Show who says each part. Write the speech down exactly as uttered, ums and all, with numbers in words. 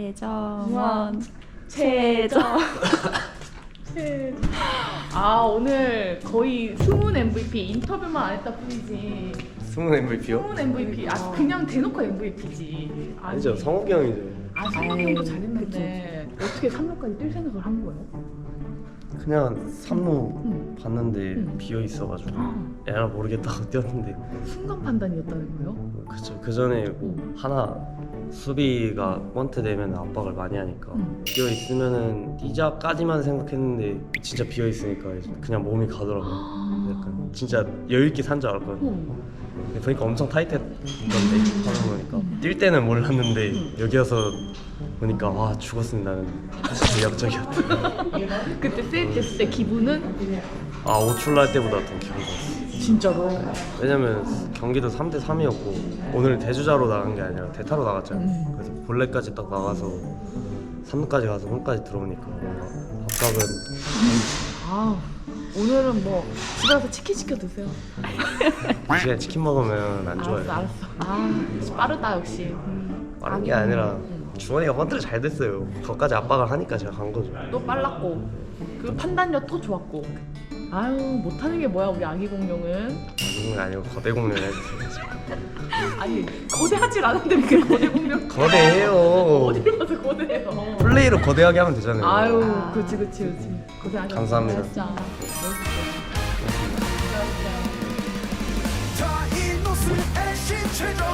Speaker 1: 최정원 최정
Speaker 2: 최... 아 오늘 거의 숨은 엠브이피 인터뷰만 안 했다 뿐이지.
Speaker 3: 숨은 엠브이피요?
Speaker 2: 숨은 엠브이피. 아 그냥 대놓고 엠브이피지.
Speaker 3: 아니죠, 성욱이 형이죠.
Speaker 2: 아 성욱이 형도 잘했는데 어떻게 삼 루까지 뛸 생각을 한 거예요?
Speaker 3: 그냥 삼 루
Speaker 2: 응.
Speaker 3: 봤는데
Speaker 2: 응.
Speaker 3: 비어 있어가지고
Speaker 2: 아,
Speaker 3: 에라 모르겠다고 뛰었는데
Speaker 2: 순간 판단이었다는 거예요?
Speaker 3: 그쵸. 그 전에 뭐
Speaker 2: 응.
Speaker 3: 하나 수비가 번트 되면 압박을 많이 하니까
Speaker 2: 응.
Speaker 3: 비어 있으면은 뛰자까지만 생각했는데 진짜 비어 있으니까 그냥 몸이 가더라고요. 약간 진짜 여유 있게 산 줄 알았거든요.
Speaker 2: 어.
Speaker 3: 근데 보니까 엄청 타이트했던데 하는 거니까 뛸 때는 몰랐는데 여기 와서 보니까 와 죽었습니다. 나는 진짜 역적이었다.
Speaker 2: 그때 세이브 됐을 때 기분은?
Speaker 3: 아 오출라 할 때보다 더 기분 좋았어.
Speaker 2: 진짜로?
Speaker 3: 왜냐면 경기도 삼 대 삼이었고 오늘 대주자로 나간 게 아니라 대타로 나갔잖아요.
Speaker 2: 음.
Speaker 3: 그래서 볼넷까지 딱 나가서 삼 루까지 가서 홈까지 들어오니까 뭔가 압박은
Speaker 2: 아 오늘은 뭐 집에 가서 치킨 시켜 드세요.
Speaker 3: 이 시간에 치킨 먹으면 안 좋아요.
Speaker 2: 알았어 알았어. 아 빠르다 역시. 음.
Speaker 3: 빠른 게 아니라
Speaker 2: 음.
Speaker 3: 주원이가 번트를 잘 됐어요. 거기까지 압박을 하니까 제가 간 거죠.
Speaker 2: 또 빨랐고 그 판단력 또 좋았고. 아유 못하는 게 뭐야 우리 아기 공룡은.
Speaker 3: 공룡이 아니고 거대 공룡을 해주세요.
Speaker 2: 아니 거대하질 않은데 왜 거대 공룡?
Speaker 3: 거대해요.
Speaker 2: 어디를 봐서 거대해요.
Speaker 3: 플레이로 거대하게 하면 되잖아요.
Speaker 2: 아유 그렇지 그렇지 그렇지. 고생하셨어.
Speaker 3: 감사합니다.
Speaker 2: 진짜 멋있어.
Speaker 4: 다 이노스 애신 최종